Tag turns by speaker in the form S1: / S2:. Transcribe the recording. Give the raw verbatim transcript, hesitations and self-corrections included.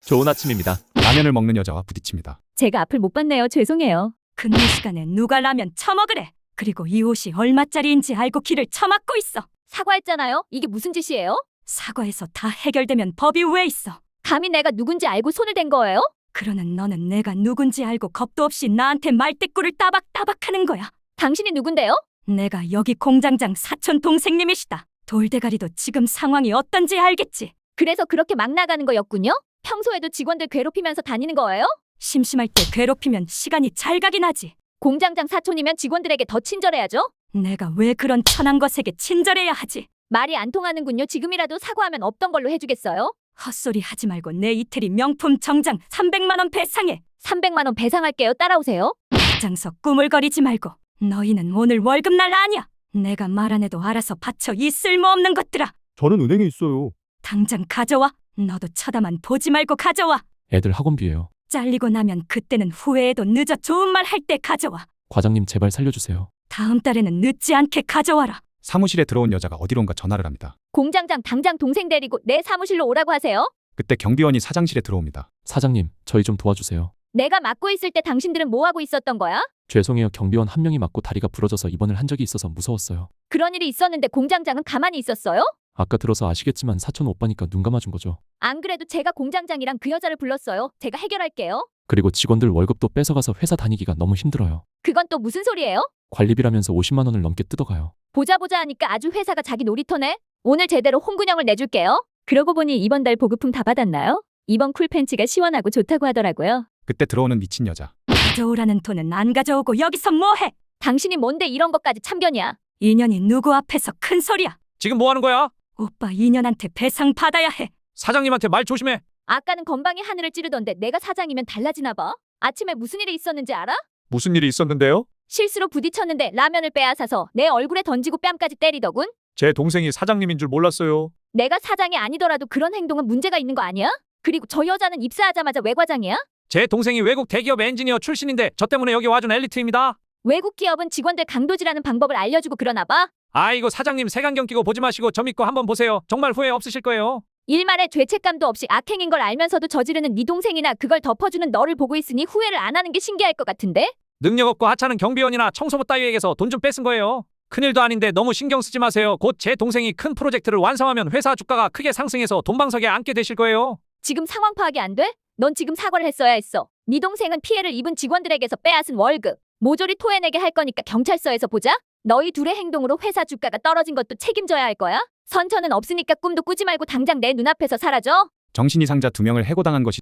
S1: 좋은 아침입니다.
S2: 라면을 먹는 여자와 부딪힙니다.
S3: 제가 앞을 못 봤네요. 죄송해요.
S4: 근무 시간에 누가 라면 처먹으래. 그리고 이 옷이 얼마짜리인지 알고 길을 처막고 있어.
S3: 사과했잖아요. 이게 무슨 짓이에요?
S4: 사과해서 다 해결되면 법이 왜 있어?
S3: 감히 내가 누군지 알고 손을 댄 거예요?
S4: 그러는 너는 내가 누군지 알고 겁도 없이 나한테 말대꾸를 따박따박하는 거야.
S3: 당신이 누군데요?
S4: 내가 여기 공장장 사촌 동생님이시다. 돌대가리도 지금 상황이 어떤지 알겠지?
S3: 그래서 그렇게 막 나가는 거였군요? 평소에도 직원들 괴롭히면서 다니는 거예요?
S4: 심심할 때 괴롭히면 시간이 잘 가긴 하지.
S3: 공장장 사촌이면 직원들에게 더 친절해야죠?
S4: 내가 왜 그런 천한 것에게 친절해야 하지?
S3: 말이 안 통하는군요. 지금이라도 사과하면 없던 걸로 해주겠어요?
S4: 헛소리 하지 말고 내 이태리 명품 정장 삼백만 원 배상해.
S3: 삼백만 원 배상할게요. 따라오세요.
S4: 장서 꾸물거리지 말고. 너희는 오늘 월급날 아니야. 내가 말 안 해도 알아서 바쳐 이 쓸모없는 것들아.
S2: 저는 은행에 있어요.
S4: 당장 가져와. 너도 쳐다만 보지 말고 가져와.
S1: 애들 학원비예요.
S4: 잘리고 나면 그때는 후회해도 늦어. 좋은 말 할 때 가져와.
S1: 과장님 제발 살려주세요.
S4: 다음 달에는 늦지 않게 가져와라.
S2: 사무실에 들어온 여자가 어디론가 전화를 합니다.
S3: 공장장 당장 동생 데리고 내 사무실로 오라고 하세요.
S2: 그때 경비원이 사장실에 들어옵니다.
S1: 사장님, 저희 좀 도와주세요.
S3: 내가 맡고 있을 때 당신들은 뭐 하고 있었던 거야?
S1: 죄송해요. 경비원 한 명이 맞고 다리가 부러져서 입원을 한 적이 있어서 무서웠어요.
S3: 그런 일이 있었는데 공장장은 가만히 있었어요?
S1: 아까 들어서 아시겠지만 사촌 오빠니까 눈 감아준 거죠.
S3: 안 그래도 제가 공장장이랑 그 여자를 불렀어요. 제가 해결할게요.
S1: 그리고 직원들 월급도 뺏어가서 회사 다니기가 너무 힘들어요.
S3: 그건 또 무슨 소리예요?
S1: 관리비라면서 오십만 원을 넘게 뜯어가요.
S3: 보자 보자 하니까 아주 회사가 자기 놀이터네. 오늘 제대로 홍군형을 내줄게요. 그러고 보니 이번 달 보급품 다 받았나요? 이번 쿨팬츠가 시원하고 좋다고 하더라고요.
S2: 그때 들어오는 미친 여자.
S4: 가져오라는 돈은 안 가져오고 여기서 뭐해?
S3: 당신이 뭔데 이런 것까지 참견이야?
S4: 인연이 누구 앞에서 큰 소리야?
S5: 지금 뭐 하는 거야?
S4: 오빠 인연한테 배상 받아야 해.
S5: 사장님한테 말 조심해.
S3: 아까는 건방이 하늘을 찌르던데 내가 사장이면 달라지나 봐. 아침에 무슨 일이 있었는지 알아?
S5: 무슨 일이 있었는데요?
S3: 실수로 부딪혔는데 라면을 빼앗아서 내 얼굴에 던지고 뺨까지 때리더군.
S5: 제 동생이 사장님인 줄 몰랐어요.
S3: 내가 사장이 아니더라도 그런 행동은 문제가 있는 거 아니야? 그리고 저 여자는 입사하자마자 외과장이야?
S5: 제 동생이 외국 대기업 엔지니어 출신인데 저 때문에 여기 와준 엘리트입니다.
S3: 외국 기업은 직원들 강도질하는 방법을 알려주고 그러나 봐.
S5: 아이고 사장님 색안경 끼고 보지 마시고 저 믿고 한번 보세요. 정말 후회 없으실 거예요.
S3: 일말의 죄책감도 없이 악행인 걸 알면서도 저지르는 네 동생이나 그걸 덮어주는 너를 보고 있으니 후회를 안 하는 게 신기할 것 같은데?
S5: 능력 없고 하찮은 경비원이나 청소부 따위에게서 돈 좀 뺏은 거예요. 큰일도 아닌데 너무 신경 쓰지 마세요. 곧 제 동생이 큰 프로젝트를 완성하면 회사 주가가 크게 상승해서 돈방석에 앉게 되실 거예요.
S3: 지금 상황 파악이 안 돼? 넌 지금 사과를 했어야 했어. 네 동생은 피해를 입은 직원들에게서 빼앗은 월급 모조리 토해내게 할 거니까 경찰서에서 보자. 너희 둘의 행동으로 회사 주가가 떨어진 것도 책임져야 할 거야. 선처는 없으니까 꿈도 꾸지 말고 당장 내 눈앞에서 사라져.
S2: 정신이상자 두 명을 해고당한 것이